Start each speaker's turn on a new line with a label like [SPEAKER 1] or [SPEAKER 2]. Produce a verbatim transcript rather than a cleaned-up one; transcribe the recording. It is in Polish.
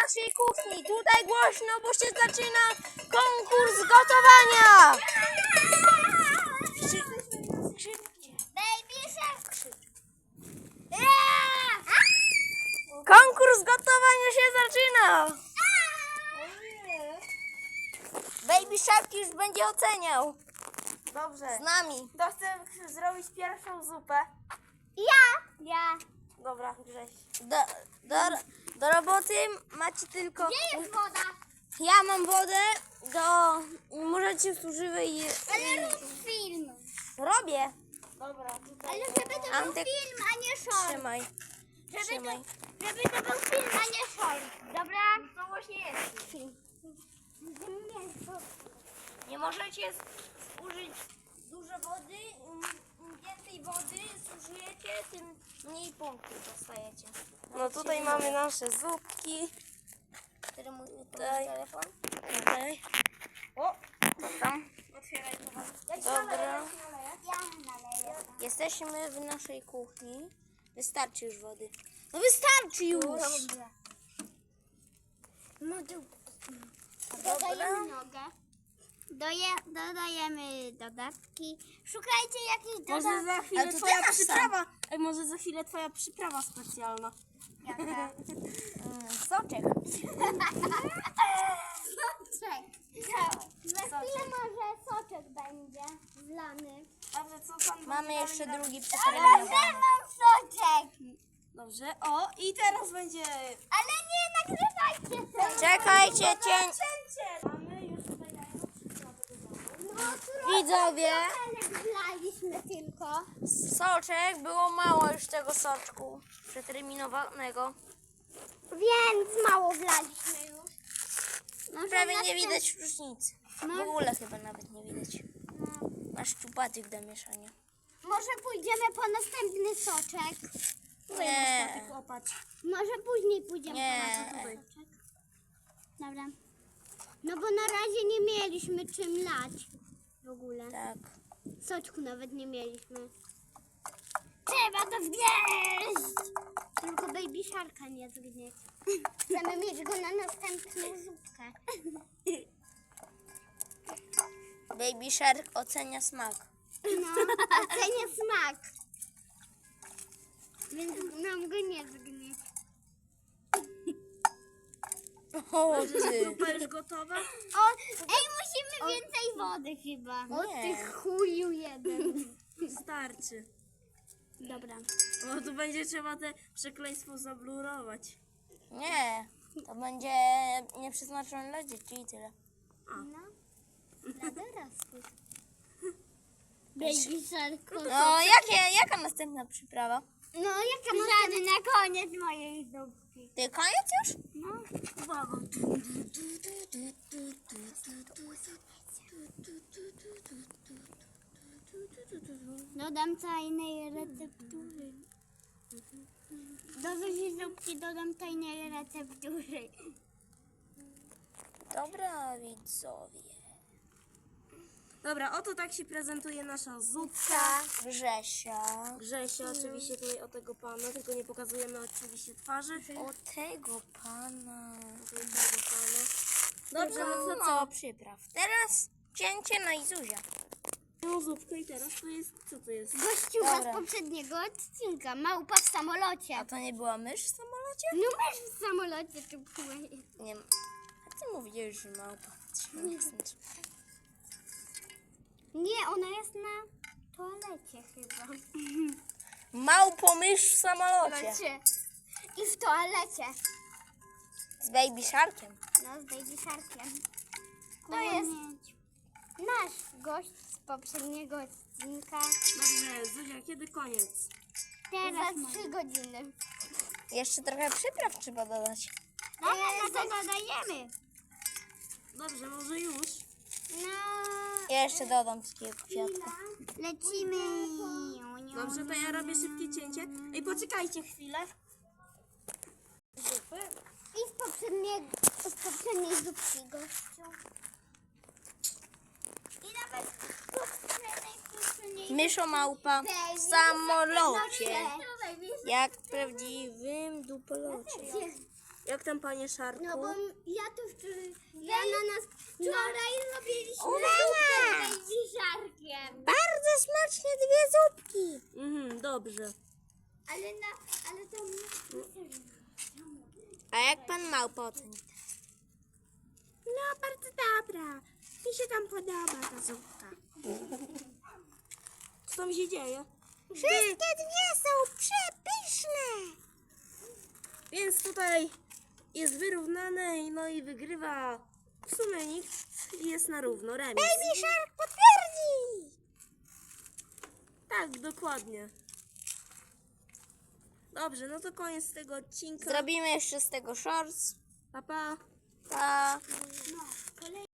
[SPEAKER 1] naszej kuchni. Tutaj głośno, bo się zaczyna konkurs gotowania.
[SPEAKER 2] Baby Shark.
[SPEAKER 1] Konkurs gotowania się zaczyna. Baby Shark już będzie oceniał.
[SPEAKER 3] Dobrze.
[SPEAKER 1] Z nami.
[SPEAKER 3] Kto chce zrobić pierwszą zupę?
[SPEAKER 2] Ja. Ja.
[SPEAKER 3] Dobra, Grześ.
[SPEAKER 1] Do, do, do roboty macie tylko...
[SPEAKER 2] Gdzie jest woda?
[SPEAKER 1] Ja mam wodę, do... Możecie używać...
[SPEAKER 2] Ale rób film.
[SPEAKER 1] Robię.
[SPEAKER 3] Dobra, tutaj.
[SPEAKER 2] Ale żeby to był
[SPEAKER 1] Antek,
[SPEAKER 2] film, a nie short.
[SPEAKER 1] Trzymaj.
[SPEAKER 2] Żeby to,
[SPEAKER 1] Trzymaj.
[SPEAKER 2] żeby to był film, a nie short. Dobra?
[SPEAKER 3] To właśnie jest film.
[SPEAKER 1] Nie możecie użyć dużo wody. Im więcej wody zużyjecie, tym mniej punktów dostajecie.
[SPEAKER 3] No tutaj mamy nasze zupki.
[SPEAKER 1] Który mój
[SPEAKER 3] Tutaj.
[SPEAKER 1] telefon?
[SPEAKER 3] Tutaj.
[SPEAKER 1] O, tam.
[SPEAKER 3] Otwieraj to.
[SPEAKER 1] Dobra.
[SPEAKER 2] Ja naleję.
[SPEAKER 1] Jesteśmy w naszej kuchni. Wystarczy już wody. No wystarczy już.
[SPEAKER 2] Dodajemy nogę. Doje, dodajemy dodatki. Szukajcie jakichś
[SPEAKER 3] Może
[SPEAKER 2] dodatków.
[SPEAKER 3] za chwilę
[SPEAKER 1] Ale to
[SPEAKER 3] twoja
[SPEAKER 1] teraz
[SPEAKER 3] przyprawa. Ej, może za chwilę twoja przyprawa specjalna.
[SPEAKER 2] Jaka?
[SPEAKER 1] Mm, soczek.
[SPEAKER 2] Soczek. Za chwilę może soczek będzie wlany.
[SPEAKER 3] Dobrze, co tam?
[SPEAKER 1] Mamy jeszcze drugi
[SPEAKER 2] Ale
[SPEAKER 1] przyterminowany.
[SPEAKER 2] mam soczek.
[SPEAKER 3] Dobrze. O, i teraz będzie...
[SPEAKER 2] Ale nie nagrywajcie tego.
[SPEAKER 1] Czekajcie, cień.
[SPEAKER 3] Mamy już tutaj jajko przyprawy do domu.
[SPEAKER 2] No, trochę
[SPEAKER 1] Widzowie,
[SPEAKER 2] wlaliśmy tylko.
[SPEAKER 1] soczek, było mało już tego soczku przeterminowanego.
[SPEAKER 2] Więc mało wlaliśmy już. Może
[SPEAKER 1] Prawie nie
[SPEAKER 2] następ-
[SPEAKER 1] widać różnicy. W
[SPEAKER 2] No.
[SPEAKER 1] ogóle chyba nawet nie widać.
[SPEAKER 2] No.
[SPEAKER 1] Masz czupatyk do mieszania.
[SPEAKER 2] Może pójdziemy po następny soczek.
[SPEAKER 1] Nie.
[SPEAKER 3] Popatrz.
[SPEAKER 2] Może później pójdziemy
[SPEAKER 1] Nie.
[SPEAKER 2] po następny soczek. Dobra. No bo na razie nie mieliśmy czym lać. W ogóle.
[SPEAKER 1] Tak.
[SPEAKER 2] Soczku nawet nie mieliśmy. Trzeba to zgnieść! Tylko Baby Sharka nie zgnieść. Chcemy mieć go na następną zupkę.
[SPEAKER 1] Baby Shark ocenia smak.
[SPEAKER 2] No, ocenię smak. Więc nam go nie zgnieść.
[SPEAKER 1] O ty.
[SPEAKER 3] Zupa już gotowa?
[SPEAKER 2] O, ej, musimy więcej wody chyba. O
[SPEAKER 1] Nie.
[SPEAKER 2] ty chuju jeden.
[SPEAKER 3] Starczy.
[SPEAKER 2] Dobra.
[SPEAKER 3] Bo tu będzie trzeba te przekleństwo zablurować.
[SPEAKER 1] Nie. To będzie nieprzeznaczone dla dzieci i tyle.
[SPEAKER 2] No, dla dorosłych. Baby Shark.
[SPEAKER 1] No, jakie, jaka następna przyprawa?
[SPEAKER 2] No, jaka następna? na koniec mojej zupki.
[SPEAKER 1] Ty koniec już?
[SPEAKER 2] No.
[SPEAKER 3] Uwaga.
[SPEAKER 2] Dodam tajnej receptury. Do zuzi zupki dodam tajnej receptury.
[SPEAKER 1] Dobra, widzowie.
[SPEAKER 3] Dobra, oto tak się prezentuje nasza zupka.
[SPEAKER 1] Grzesia.
[SPEAKER 3] Grzesia, oczywiście tutaj o tego pana, tylko nie pokazujemy oczywiście twarzy.
[SPEAKER 1] O tego pana.
[SPEAKER 3] O tego pana.
[SPEAKER 1] Dobrze, no to co? Przypraw. Teraz cięcie na Izuzia.
[SPEAKER 3] No zupkę i teraz to jest, co to jest?
[SPEAKER 2] Gościuwa
[SPEAKER 1] Dobra.
[SPEAKER 2] z poprzedniego odcinka. Małpa w samolocie.
[SPEAKER 1] A to nie była mysz w samolocie?
[SPEAKER 2] No masz w samolocie tu płynie.
[SPEAKER 1] Nie. A ty mówiłeś, że małpa.
[SPEAKER 2] Nie, ona jest na toalecie chyba.
[SPEAKER 1] Małpo mysz w samolocie.
[SPEAKER 2] Toalecie. I w toalecie.
[SPEAKER 1] Z Baby Sharkiem.
[SPEAKER 2] No, z Baby Sharkiem. To jest nasz gość z poprzedniego odcinka.
[SPEAKER 3] Dobrze, Zuzia, kiedy koniec?
[SPEAKER 2] Teraz za trzy godziny.
[SPEAKER 1] Jeszcze trochę przypraw trzeba dodać.
[SPEAKER 2] Ale na to dodajemy.
[SPEAKER 3] Dobrze, może już.
[SPEAKER 2] No,
[SPEAKER 1] Ja jeszcze dodam takiego kwiatka.
[SPEAKER 2] lecimy.
[SPEAKER 3] Dobrze, to ja robię szybkie cięcie. Ej, poczekajcie chwilę. Zupy.
[SPEAKER 2] I z poprzedniej, z poprzedniej zupki gościu. I nawet z poprzedniej, poprzedniej
[SPEAKER 1] Myszo małpa w samolocie. Jak w prawdziwym dupolocie.
[SPEAKER 3] Jak tam, panie Szarku?
[SPEAKER 2] No bo m- ja to wczoraj, ja na nas wczoraj robiliśmy
[SPEAKER 1] Uwaga!
[SPEAKER 2] zupkę z baby sharkiem.
[SPEAKER 1] Bardzo smaczne dwie zupki.
[SPEAKER 3] Mhm, dobrze.
[SPEAKER 2] Ale na, ale to
[SPEAKER 1] A jak pan małpa oceni?
[SPEAKER 3] No, bardzo dobra. Mi się tam podoba ta zupka. Co tam się dzieje?
[SPEAKER 1] Wszystkie dwie są przepyszne.
[SPEAKER 3] Więc tutaj jest wyrównane, no i wygrywa w sumie nikt i jest na równo, remis.
[SPEAKER 1] Baby Shark potwierdzi.
[SPEAKER 3] Tak, dokładnie. Dobrze, no to koniec tego odcinka.
[SPEAKER 1] Zrobimy jeszcze z tego shorts.
[SPEAKER 3] Pa, pa.
[SPEAKER 1] Pa.
[SPEAKER 2] no, kolej.